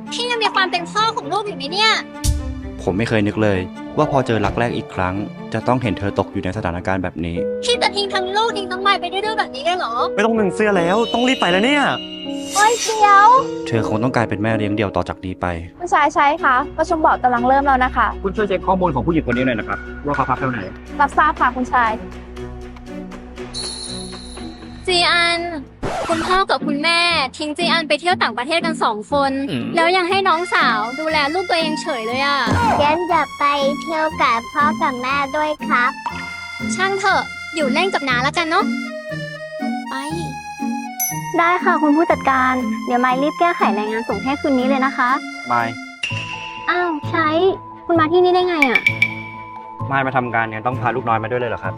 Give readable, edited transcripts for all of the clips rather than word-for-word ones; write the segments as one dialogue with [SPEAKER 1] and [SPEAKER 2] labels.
[SPEAKER 1] พี่ยังมีความเป็นพ่อของลูกอยู่ไหมเนี่ย
[SPEAKER 2] ผมไม่เคยนึกเลย ว่าพอเจอรักแรกอีกครั้ง จะต้องเห็นเธอตกอยู่ในสถานการณ์แบบนี้
[SPEAKER 1] พี่จะทิ้งทั้งลูกทิ้งทั้งไม้ไปดื้อๆแบบนี้ได้เหรอ
[SPEAKER 3] ไม่ต้องนึ่งเสื้อแล้วต้องรีบไปแล้วเนี่ย
[SPEAKER 4] โอ้ยเดี๋ยว
[SPEAKER 2] เธอคงต้องกลายเป็นแม่เลี้ยงเดี่ยวต่อจากนี้ไป
[SPEAKER 4] คุณชายใช้คะประชุมบอร์ดกำลังเริ่มแล้วนะคะ
[SPEAKER 5] คุณช่วยเช็คข้อมูลของผู้หญิงคนนี้หน่อยนะครับว่าเขาพักเท่าไหร่
[SPEAKER 4] รับทราบค่ะคุณชาย
[SPEAKER 1] จีอัน คุณพ่อกับคุณแม่ทิ้งจีอันไปเที่ยวต่างประเทศกัน2 คน แล้วยังให้น้องสาวดูแลลูกตัวเองเฉยเลยอ่ะ
[SPEAKER 6] เจนจะไปเที่ยวกับพ่อกับแม่ด้วยครับ
[SPEAKER 1] ช่างเถอะ อยู่เล่นกับน้าแล้วกันเนาะ ไป
[SPEAKER 4] ได้ค่ะคุณผู้จัดการ เดี๋ยวไมล์รีบแก้ไขรายงานส่งให้คืนนี้เลยนะคะ
[SPEAKER 3] มาย
[SPEAKER 4] อ้าวใช้ คุณมาที่นี่ได้ไงอ่ะ
[SPEAKER 3] มายมาทำการเนี่ยต้องพาลูกน้อยมาด้วยเลยเหรอครับ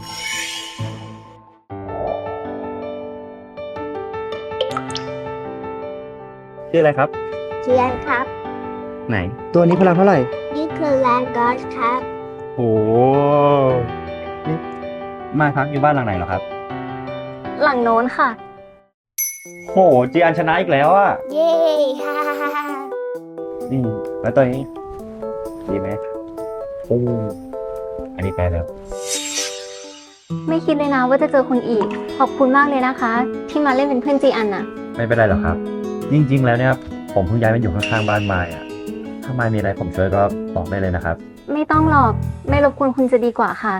[SPEAKER 3] ชื่ออะไรครับ
[SPEAKER 6] เชียนครับ
[SPEAKER 3] ไหน ตัวนี้พลังเท่าไหร่
[SPEAKER 6] นี่คือแลนด์กอสครับ
[SPEAKER 3] โอ้นี่มายพักอยู่บ้านหลังไหนเหรอครับ
[SPEAKER 4] หลังโน้นค่ะ
[SPEAKER 3] โหจีอันชนะอีกแล้วอ่ะ
[SPEAKER 6] เย้ฮ่าฮ่าฮ่า
[SPEAKER 3] นี่แล้วตัวนี้ ดีไหมโอ้อันนี้แปลแล้ว
[SPEAKER 4] ไม่คิดเลยนะว่าจะเจอคุณอีก ขอบคุณมากเลยนะคะ ที่มาเล่นเป็นเพื่อนจีอันน่ะ
[SPEAKER 3] ไม่เป็นไรหรอกครับ จริงๆ แล้วเนี่ยผมเพิ่งย้ายมาอยู่ข้างๆบ้านมายอ่ะ ถ้ามายมีอะไรผมช่วยก็บอกได้เลยนะครับ
[SPEAKER 4] ไม่ต้องหรอก ไม่รบกวนคุณจะดีกว่าค่ะ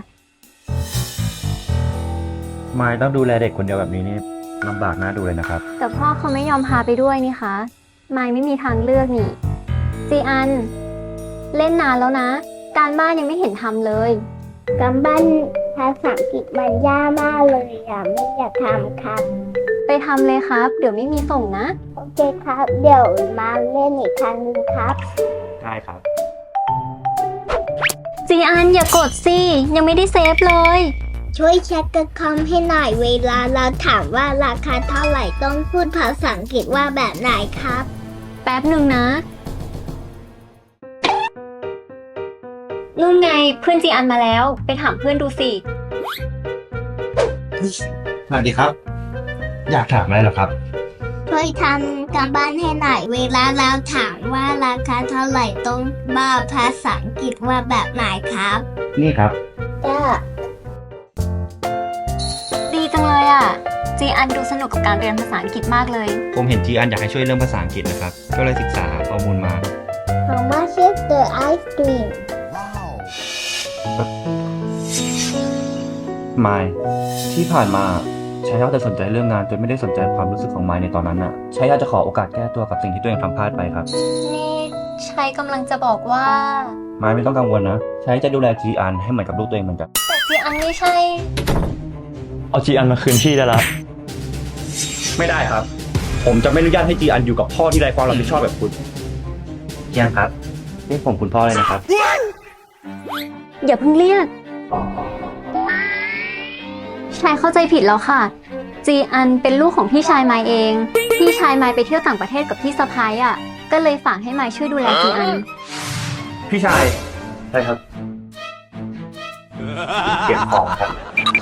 [SPEAKER 3] มายต้องดูแลเด็กคนเดียวแบบนี้นี่ลำบากน่าดูเลยนะครับ
[SPEAKER 4] แต่พ่อเขาไม่ยอมพาไปด้วยนี่คะไมล์ไม่มีทางเลือกนี่ จีอัน เล่นนานแล้วนะ การบ้านยังไม่เห็นทำเลย
[SPEAKER 6] การบ้านภาษาอังกฤษมันยากมากเลยอ่ะไม่อยากทำครับ
[SPEAKER 4] ไปทำเลยครับ เดี๋ยวไม่มีส่งนะ
[SPEAKER 6] โอเคครับ เดี๋ยวมาเล่นอีกครั้งหนึงครับ
[SPEAKER 3] ได้ครับ
[SPEAKER 4] จีอันอย่ากดสิ ยังไม่ได้เซฟเลย
[SPEAKER 6] ช่วยเช็คกับคอมให้หน่อยเวลาเราถามว่าราคาเท่าไหร่ต้องพูดภาษาอังกฤษว่าแบบไหนครับ
[SPEAKER 4] แป๊บหนึ่งนะ นู่นไงเพื่อนจีอันมาแล้ว ไปถามเพื่อนดูสิ
[SPEAKER 3] สวัสดีครับ อยากถามอะไรเหรอครับ
[SPEAKER 6] ช่วยทำการบ้านให้หน่อยเวลาเราถามว่าราคาเท่าไหร่ต้องบอกภาษาอังกฤษว่าแบบไหนครับ
[SPEAKER 3] นี่ครับ
[SPEAKER 6] จ้า
[SPEAKER 4] ดีจังเลยอ่ะ จีอันดูสนุกกับการเรียนภาษาอังกฤษมากเลย
[SPEAKER 2] ผมเห็นจีอันอยากให้ช่วยเรื่องภาษาอังกฤษนะครับ ก็เลยศึกษาหาข้อมูลมา
[SPEAKER 6] How much is the ice cream
[SPEAKER 2] มายที่ผ่านมาชายาแต่สนใจเรื่องงานจนไม่ได้สนใจความรู้สึกของมายในตอนนั้นน่ะชายาจะขอโอกาสแก้ตัวกับสิ่งที่ตัวเองทำพลาดไปครับ
[SPEAKER 4] นี่ชัยกำลังจะบอกว่า
[SPEAKER 2] มายไม่ต้องกังวลนะชายจะดูแลจีอันให้เหมือนกับลูกตัวเองเหมือนกัน
[SPEAKER 4] แต่จีอันไม่ใช่
[SPEAKER 3] เอาจีอันมาคืนพี่ได้ละ
[SPEAKER 2] ไม่ได้ครับ ผมจะไม่อนุญาตให้จีอันอยู่กับพ่อที่ไร้ความรับผิดชอบแบบคุณจีอันครับเรียกผมคุณพ่อเลยนะครับ
[SPEAKER 4] อย่าเพิ่งเรียก ชายเข้าใจผิดแล้วค่ะ จีอันเป็นลูกของพี่ชายไมายเอง พี่ชายไมายไปเที่ยวต่างประเทศกับพี่สะพ้ายอ่ะ ก็เลยฝากให้ไมายช่วยดูแลจีอัน
[SPEAKER 2] พี่ชายใช่ครับ เก็บของครับ